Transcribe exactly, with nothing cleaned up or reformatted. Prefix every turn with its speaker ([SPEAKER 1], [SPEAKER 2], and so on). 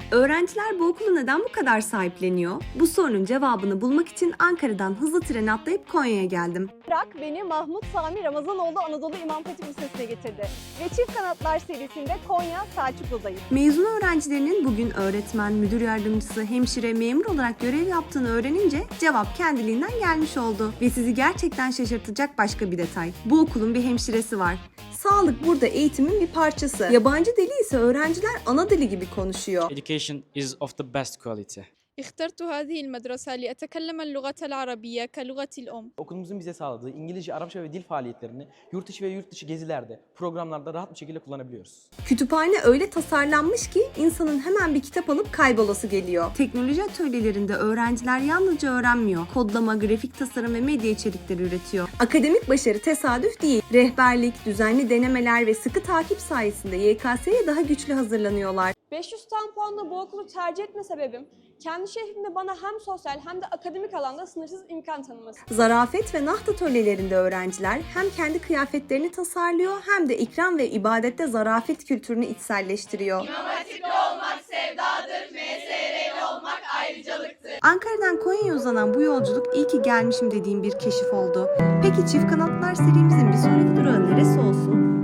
[SPEAKER 1] Öğrenciler bu okulu neden bu kadar sahipleniyor? Bu sorunun cevabını bulmak için Ankara'dan hızlı tren atlayıp Konya'ya geldim.
[SPEAKER 2] Irak beni Mahmut Sami Ramazanoğlu Anadolu İmam Hatip Lisesi'ne getirdi. Ve Çift Kanatlar serisinde Konya Selçuklu'dayım.
[SPEAKER 1] Mezun öğrencilerinin bugün öğretmen, müdür yardımcısı, hemşire, memur olarak görev yaptığını öğrenince cevap kendiliğinden gelmiş oldu. Ve sizi gerçekten şaşırtacak başka bir detay. Bu okulun bir hemşiresi var. Sağlık burada eğitimin bir parçası. Yabancı dili ise öğrenciler ana dili gibi konuşuyor.
[SPEAKER 3] Education is of the best quality.
[SPEAKER 4] اخترت هذه المدرسة لأتكلم اللغة العربية كلغة الأم.
[SPEAKER 5] Okulumuzun bize sağladığı İngilizce, Arapça ve dil faaliyetlerini yurt içi ve yurt dışı gezilerde, programlarda rahat bir şekilde kullanabiliyoruz.
[SPEAKER 1] Kütüphane öyle tasarlanmış ki insanın hemen bir kitap alıp kaybolası geliyor. Teknoloji atölyelerinde öğrenciler yalnızca öğrenmiyor. Kodlama, grafik tasarım ve medya içerikleri üretiyor. Akademik başarı tesadüf değil. Rehberlik, düzenli denemeler ve sıkı takip sayesinde Y K S'ye daha güçlü hazırlanıyorlar.
[SPEAKER 2] beş yüz tam puanla bu okulu tercih etme sebebim, kendi şehrimde bana hem sosyal hem de akademik alanda sınırsız imkan tanıması.
[SPEAKER 1] Zarafet ve naht atölyelerinde öğrenciler hem kendi kıyafetlerini tasarlıyor hem de ikram ve ibadette zarafet kültürünü içselleştiriyor.
[SPEAKER 6] İmam Hatipli olmak sevdadır, M S R'li olmak ayrıcalıktır.
[SPEAKER 1] Ankara'dan Konya'ya uzanan bu yolculuk iyi ki gelmişim dediğim bir keşif oldu. Peki Çift Kanatlar serimizin bir sonraki durağı neresi olsun?